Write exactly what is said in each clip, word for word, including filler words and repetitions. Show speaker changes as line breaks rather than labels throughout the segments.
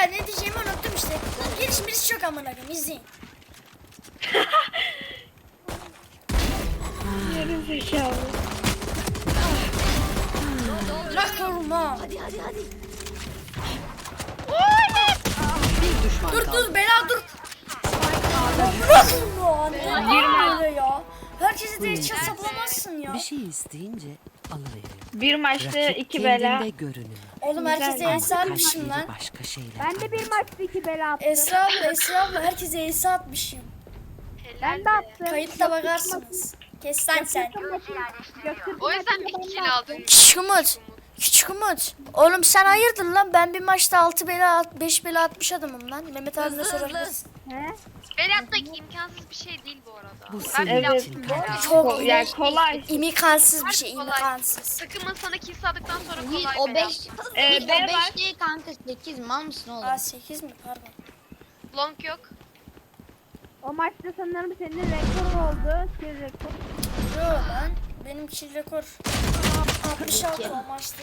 ne diyeceğimi unuttum işte. Gelişmesi çok amına koyayım, izleyin.
Yarın zekalı.
Bırak oğlum ha.
Hadi hadi hadi.
Bir düşman
Dur
kaldı.
dur Bela dur. Bırak onu. Ne böyle ya? Herkese de hiç saplamazsın ya.
Bir şey isteyince alıveriyor.
Bir maçta
Rakip
iki bela.
kendinde görünüyor.
Oğlum herkese
Güzel.
Esra atmışım
Kalpleri
lan.
başka şeyler.
Ben de bir maçta iki bela attım.
Esra abla, Esra abla herkese Esra atmışım.
Ben de attım.
Kayıtta bakarsınız. Kes lan sen.
O yüzden mi iki kill aldın?
Küçük Umut. Küçük Umut. Oğlum sen hayırdır lan? Ben bir maçta altı bela, beş bela atmış adamım lan. Mehmet abine sorabilirsin.
He?
Berat'ta imkansız bir şey değil bu arada.
Bu
Ben
senin
bile
Evet.
için
yaptım.
kardeşim.
Çok
Yani kolay.
imkansız bir
Harbi
şey,
kolay.
imkansız.
Takımın sana kill aldıktan sonra
Yiğit
kolay
o
Berat.
beş.
Ee,
Yiğit
B
o
var.
beş değil kanka sekiz mal mısın oğlum?
Aa sekiz mi? Pardon.
Long yok.
O maçta sanırım senin rekor oldu. Senin rekor.
Yo lan. Benim kill rekor altmış altı o maçta.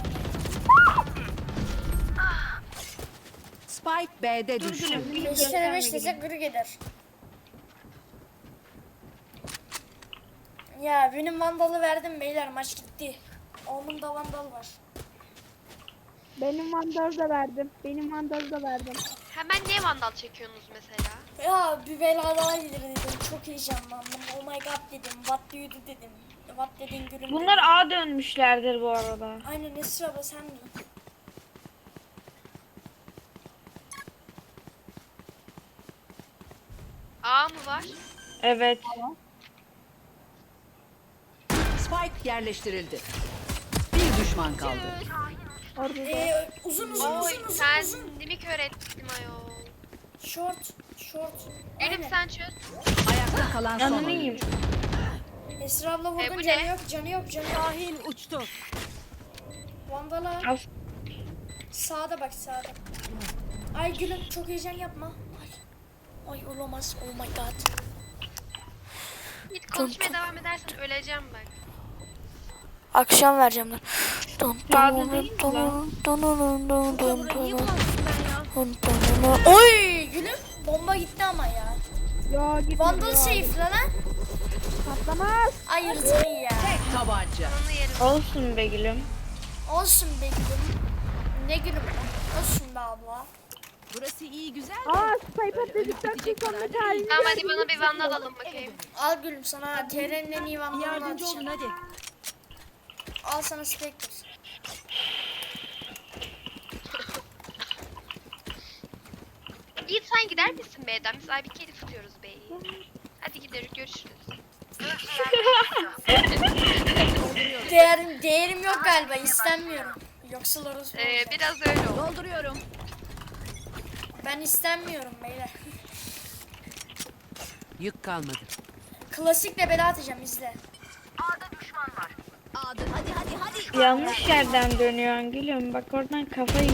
Spike B'de düştü.
beş kere beş desek kırık eder. Ya benim vandalı verdim beyler, maç gitti. Onun da vandal var.
Benim vandalı da verdim. Benim vandalı da verdim.
Hemen niye vandal çekiyorsunuz mesela?
Ya bir bela daha gelir dedim. Çok heyecanlandım. Oh my god dedim. What do you do dedim. What dedin gülüm
Bunlar
dedim.
A dönmüşlerdir bu arada.
Aynen Esra abla sen de.
A mı var?
Evet.
Spike yerleştirildi. Bir düşman kaldı.
Orada da.
Ee, uzun uzun
Oy
uzun uzun
sen
uzun.
mi kör ettim ayol?
Short. Short.
Gülüm
Aynen.
sen çöz.
Ayakta kalan son
Yanını
oyuncu.
yiyeyim.
Esra abla
E,
vurdun,
bu
canı
ne?
yok canı yok canı yok.
Şahin uçtu.
Vandala.
Al.
Sağda bak sağda. Ay gülüm çok heyecan yapma. Ay. Ay olamaz. Oh my god.
Git konuşmaya devam edersen öleceğim bak.
Akşam vereceğim lan. Don
Sağda değil mi lan?
Oy gülüm bomba gitti ama ya.
Yo git.
Vandal safe lan ha.
Patlamaz.
Ayırdın ya.
Tabanca.
Onu yerim.
Olsun be gülüm.
Olsun be gülüm. Ne gülüm lan? Olsun be abla.
Burası iyi güzel.
Aa sniper dedikten sonra tarihini
Tamam hadi bana bir vandal alın bakayım.
Al gülüm sana T R'nin en iyi vandalını
Yardımcı olun
atacağım.
hadi.
Al sana Spectre.
Yiğit sen gider misin B'den? Biz ay bir kedi tutuyoruz B'yi. Hadi gidelim görüşürüz.
Değerim, değerim yok galiba, istenmiyorum. Yoksa orası
Ee, biraz öyle oldu.
Dolduruyorum.
Ben istenmiyorum beyler.
Yük kalmadı.
Klasikle bela atacağım, izle.
Hadi hadi hadi.
Yanlış yerden dönüyorsun gülüm. Bak oradan kafayı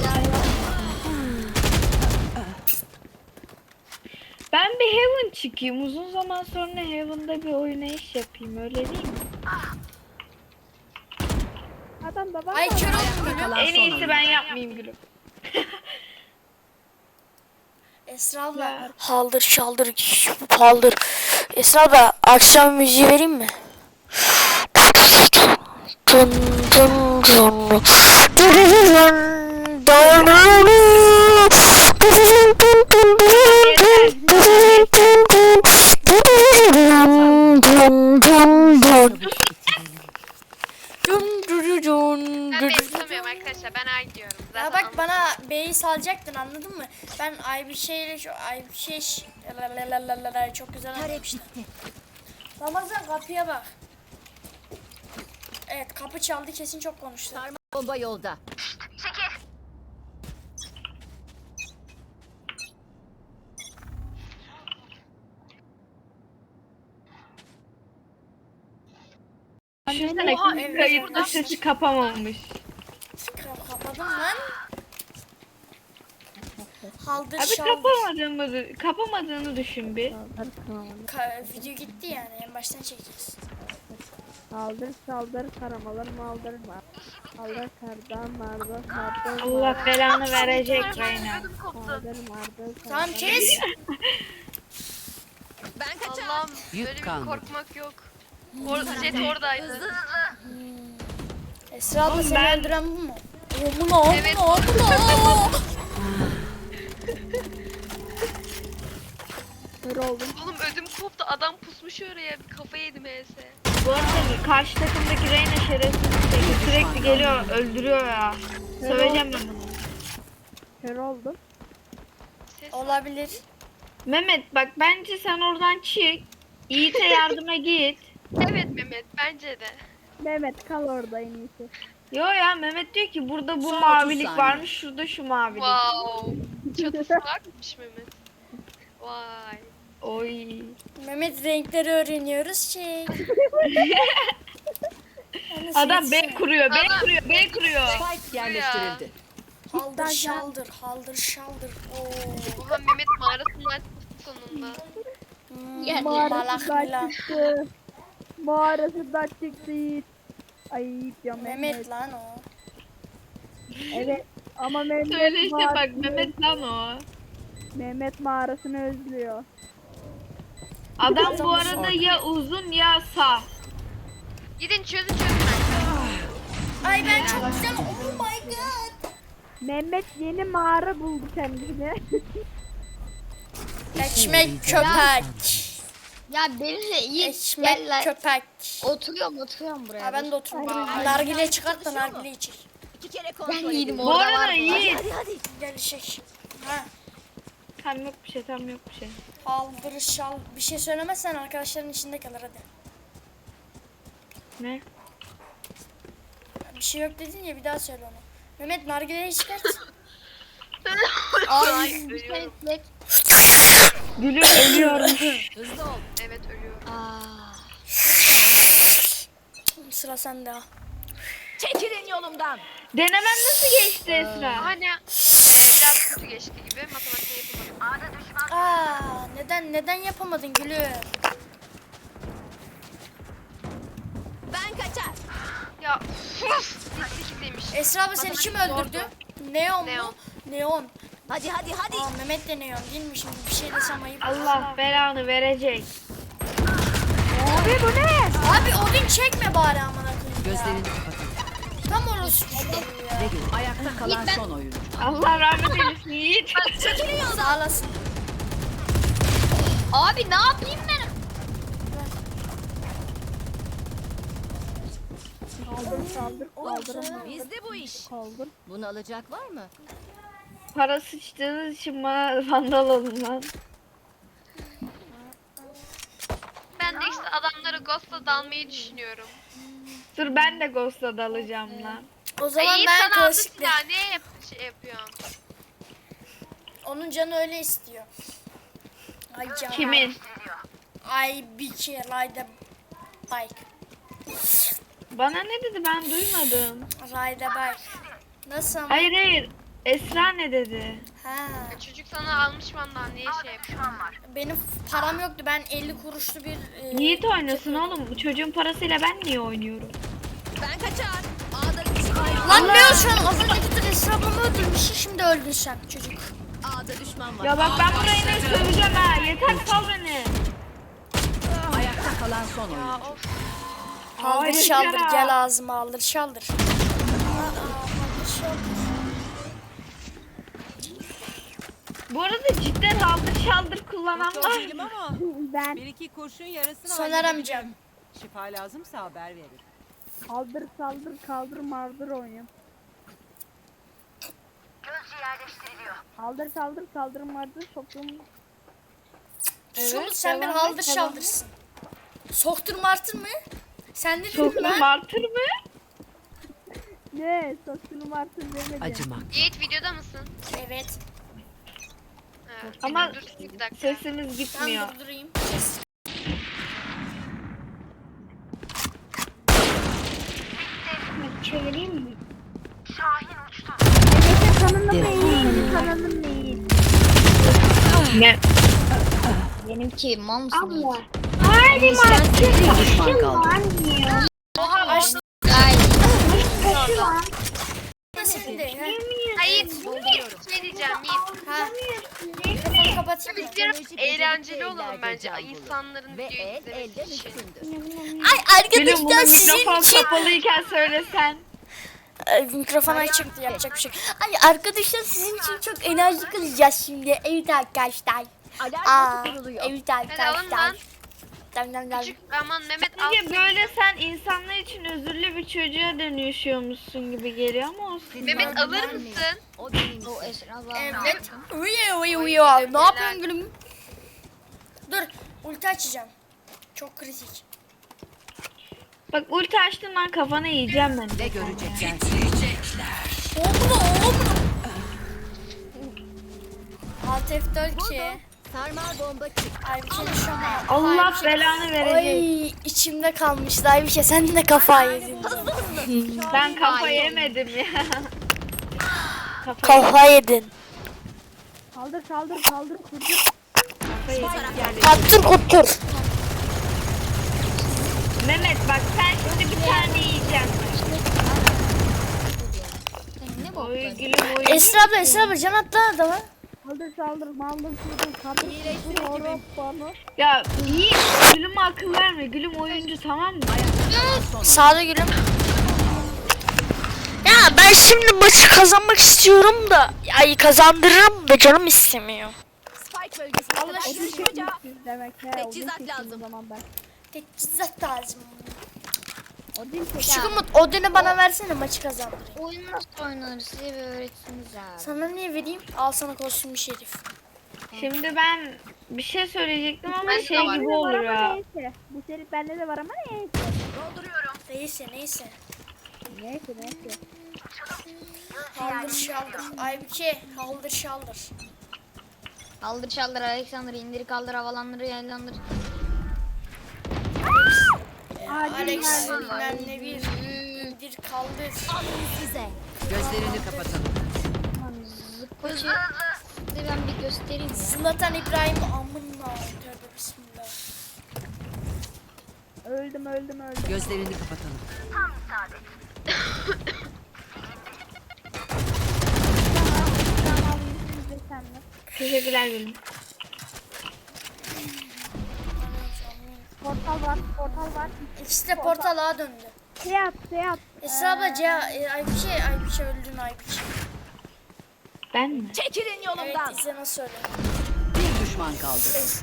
Ben bir Heaven çıkayım. Uzun zaman sonra Heaven'da bir oynayış yapayım. Öyle değil mi?
Adam da var.
Ay kör oldum gülüm.
Kalan
En
son
iyisi
oyuncu.
ben yapmayayım gülüm.
Esra abla. Haldır şaldır paldır. Esra abla akşam müziği vereyim mi? Dun dun dun.
Ben B tutamıyorum arkadaşlar. Ben A gidiyorum. Zaten
Ya bak
anladım.
bana B'yi salacaktın, anladın mı? Ben ay bir şeyle şu ay bir şey ş- lalalala çok güzel anlamıştım. Ramazan kapıya bak. Evet kapı çaldı, kesin çok konuştu.
Bomba yolda.
Düşünsene
Oha,
kim
evet,
kayıtta
evet.
sesi kapamamış.
Ka- kapadım lan. Haldır
Abi
şaldır.
kapamadığımı, kapamadığını düşün bir.
Ka- video gitti yani, en baştan çekeceğiz.
Saldır saldır karamalar maldır var. Allah kardan mardan kardan.
Allah belanı verecek Reyna.
Kardan mardan.
Tamam kes.
Ben kaçar.
Allah'ım
Yük
böyle bir
kalmadı.
korkmak yok. Or Jet oradaydı.
Esra abla
Oğlum
seni
ben-
öldüren bu mu? O bu ne? O
Evet.
bu ne? O bu ne?
Kör oldum.
Oğlum ödüm koptu. Adam pusmuş oraya. Bir kafa yedim H S.
Bu arada karşı takımdaki Reyna şerefsiz bir şey. Sürekli geliyor öldürüyor ya. Söveceğim ben bunu.
Kör oldum.
Ses
Olabilir.
Mehmet bak bence sen oradan çık. Yiğit'e yardıma git.
Evet Mehmet bence de.
Mehmet kal orada en iyisi.
Yo ya Mehmet diyor ki burada bu
Son otuz
mavilik
saniye.
varmış, şurada şu mavilik.
Wow. Çatısı varmış Mehmet. Vay.
Oy.
Mehmet renkleri öğreniyoruz şey.
Adam B kuruyor, B
Adam-
kuruyor, B kuruyor.
Spike yerleştirildi.
Haldır şaldır, haldır şaldır. Oo.
Oha Mehmet mağarasından çıktı sonunda.
Hmm,
Yer-
malak
Mağarasından
milan.
çıktı. Mağarasından çıktı. Ayıp ya Mehmet.
Mehmet lan o.
Evet. Ama Mehmet
Söyle işte bak
mağarasını-
Mehmet lan o.
Mehmet mağarasını özlüyor.
Adam bu arada ya uzun ya sağ.
Gidin çözün çözün ben.
Ay ben çok güzel. Oh my god.
Mehmet yeni mağara buldu kendine.
Ekmek köpek.
Ya benimle iyi gel
Ekmek
lan.
köpek.
Oturuyorum oturuyorum buraya.
Ha ben de otururum. Nargile çıkart da nargile içir.
iki kere kontrol Ben yedim
Bu
orada
arada
var.
Yiğit.
Gel şey. Ha.
Tam yok bir şey, tam yok bir şey.
Haldır şal. Bir şey söylemezsen arkadaşların içinde kalır hadi.
Ne?
Bir şey yok dedin ya bir daha söyle onu. Mehmet nargileyi çıkart.
Abi bir şey istek.
Gülüm ölüyorum.
Hızlı ol.
Evet ölüyorum.
Aa.
Sıra sende ha.
Çekilin yolumdan.
Denemen nasıl geçti Esra?
Hani biraz kötü geçti gibi. Matematik yapamadım.
Aa, neden neden yapamadın gülüm?
Ben kaçar.
Ya uf. demiş.
Esra abla seni kim öldürdü? Neon mu?
Neon.
Neon.
Hadi hadi hadi.
Aa Mehmet de Neon değil mi şimdi bir şey desem ayıp.
Allah belanı verecek.
Abi bu ne?
Abi Odin çekme bari amına koyayım ya.
Gözlerini kapatın.
Tam orası çocuğu ya.
Ne gün? Ayakta kalan son oyuncu.
Allah rahmet eylesin Yiğit.
Sağ olasın.
Abi ne yapayım ben?
Kaldır kaldır kaldır.
Bizde bu iş.
Kaldır.
Bunu alacak var mı?
Para sıçtığınız için bana vandal alın lan.
Ben de işte adamları Ghost'la dalmayı düşünüyorum.
Dur ben de Ghost'a dalacağım lan.
O zaman
Ay,
ben
sana aldı
klasikle.
silah. Niye yap şey yapıyorsun?
Onun canı öyle istiyor. Ay canım.
Kimin?
Ay bir kere ride the bike.
Bana ne dedi ben duymadım.
Ride the bike. Nasıl ama?
Hayır hayır. Esra ne dedi?
Ha.
Ya çocuk sana almış vandan niye şey yapıyorsun?
Benim param yoktu. Ben elli kuruşlu bir e,
Yiğit oynasın oğlum. Bu çocuğun parasıyla ben niye oynuyorum?
Ben kaçar. A'da düşman.
Lan ne o şu an? Az önce gittin Esra ablamı öldürmüşsün. Şimdi öldün sen çocuk.
A'da düşman var.
Ya bak ben burayı ne söveceğim ha. Yeter sal beni.
Ayakta kalan son oyuncu.
Ya of.
Haldır
Hayır
şaldır
ya.
gel ağzıma haldır şaldır. Aa, haldır şaldır.
Bu arada cidden haldır şaldır kullanan
Doktor
var
değilim
mı?
ama
Ben
bir iki kurşun yarasını
Soner
halledebilirim.
amcam.
Şifa lazımsa haber verin.
kaldır saldır kaldır mardır oynuyorum. Kaldır saldır kaldır mardır soktum.
Şunu sen bir
devam et,
haldır
devam
şaldırsın. Soktur martır mı? Sen dedin
Soktum
lan.
martır mı?
Ne soktum martır demedim.
Acımak.
Yiğit videoda mısın?
Evet.
Ha,
Ama
dur bir dakika.
sesimiz
Ben
gitmiyor.
durdurayım.
Çevireyim mi?
Ege'nin kanalım ne iyi, senin kanalın ne iyi.
Ne?
Benimki mal mısın?
Haydi
Bir düşman kaldı.
Açtım.
Ay.
martır.
seni de. Ha.
Hayır. Şey diyeceğim Yiğit.
Ha. Mikrofonu kapatayım mı?
Biz biraz eğlenceli olalım bence. İnsanların
Ve
videoyu
el elden
izlemesi için.
üstündür.
Ay
Gülüm bunu
arkadaşlar sizin
mikrofon
için.
kapalıyken söylesen.
Ay, mikrofon açıktı, yapacak bir şey. Ay arkadaşlar sizin için çok enerji kılacağız şimdi. Evet arkadaşlar.
Alarm
Aa,
botu kuruluyor.
evet
Hadi alın
arkadaşlar.
lan.
Dam dam dam.
Küçük aman Mehmet al.
Peki böyle sen insanlar için özürlü bir çocuğa dönüşüyormuşsun gibi geliyor ama olsun.
Mehmet alır mısın?
O benim. O Esra
Evet. Uyu uyu uyu. Ne yapıyorsun gülüm? Dur, ulti açacağım. Çok kritik.
Bak ulti açtın lan kafana yiyeceğim ben.
Ne görecekler?
Oğlum oğlum. Alt F dört ki.
Sarmal bomba çık.
Ay bir şey şu an.
Allah
Ay, bir şey-
belanı verecek.
Ay içimde kalmıştı. Ay bir şey sen de kafayı yedin.
Ben kafa yemedim ya. Kafa
Kafa yedin.
Kaldır kaldır kaldır kurdur.
Kaptır otur.
Mehmet bak sen şimdi bir tane yiyeceksin.
Ne bu?
Oy gülüm oy.
Esra abla Esra abla can attı adama.
Kaldır kaldır maldır kurdur kaldır kurdur horoz bana.
Ya iyi gülüm akıl verme. Gülüm oyuncu tamam mı?
Sağda gülüm. Ya ben şimdi maçı kazanmak istiyorum da. Ay kazandırırım da canım istemiyor.
Spike bölgesine
Allah
kadar
aşkına.
düşüreceğim.
Siz demek he.
Teçhizat
Odin çektim
lazım.
o zaman ben.
Teçhizat lazım.
Odin çek.
Şu Umut Odin'i bana versene maçı kazandırayım.
Oyun nasıl oynanır size bir öğretsiniz abi.
Sana niye vereyim? Al sana kostüm şerif.
Şimdi ben bir şey söyleyecektim ama
Ben de
şey
var.
gibi
Bende de var
olur
ama
ya.
neyse. Bu seri bende de var ama neyse.
Neyse neyse.
Neyse neyse.
Haldır şaldır. Aybüke haldır şaldır.
Kaldır çaldır Alexander indir kaldır havalandır yaylandır.
Alex bilmem ne bir indir kaldır.
Size.
Gözlerini kapatalım.
Zıppacı size ben bir göstereyim ya.
Zlatan İbrahim amına. Tövbe bismillah.
Öldüm öldüm öldüm.
Gözlerini kapatalım.
Tamam yüzünüzde senle.
Teşekkürler gülüm.
Portal var portal var.
İkisi de portala döndü.
Şey at şey at.
Esra abla C e, Aybüke Aybüke öldün Aybüke.
Ben mi?
Çekilin
Evet
yolumdan.
izle nasıl öldü.
Bir düşman kaldı.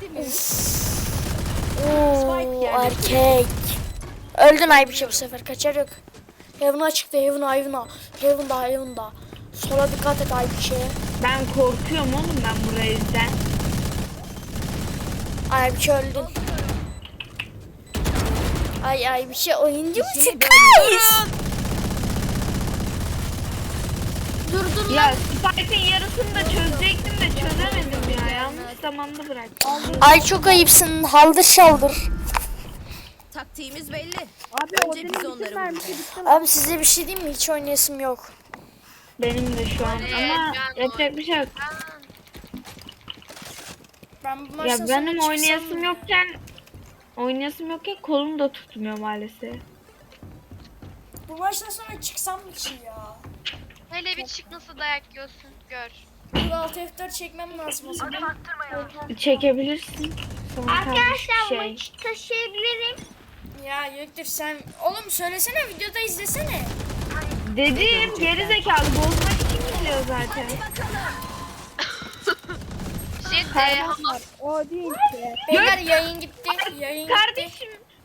Oo erkek. Öldün Aybüke bu sefer kaçar yok. Heaven'a çıktı Heaven'a Heaven'a. Heaven'da Heaven'da. Sola dikkat et Aybüke.
Ben korkuyorum oğlum ben bu reisden.
Aybüke öldün. Ay Aybüke oyuncu musun kız? Dur dur
Ya Spike'ın yarısını da çözecektim de çözemedim ya. Yanlış zamanda bıraktım.
Ay çok ayıpsın haldır şaldır.
Taktiğimiz belli.
Abi
Önce
Odin'in
biz
bütün
onları
mermisi bitti lan.
Abi size bir şey diyeyim mi? Hiç oynayasım yok.
Benim de şu an ama yapacak bir şey yok.
Ben bu
Ya
maçtan sonra
benim
çıksam
oynayasım
mı?
yokken oynayasım yokken kolum da tutmuyor maalesef.
Bu maçtan sonra çıksam mı ki ya?
Hele bir çık nasıl dayak yiyorsun gör.
Bu alt F dört çekmem lazım o zaman.
Çekebilirsin. Sonra Arkadaşlar şey.
Taşıyabilirim. Ya Göktür sen... Oğlum söylesene videoda izlesene.
Dedim geri zekalı bozmak için geliyor zaten.
Jet e, ama
Odin şey.
Beyler yayın gitti. Yayın gitti.
Kardeşim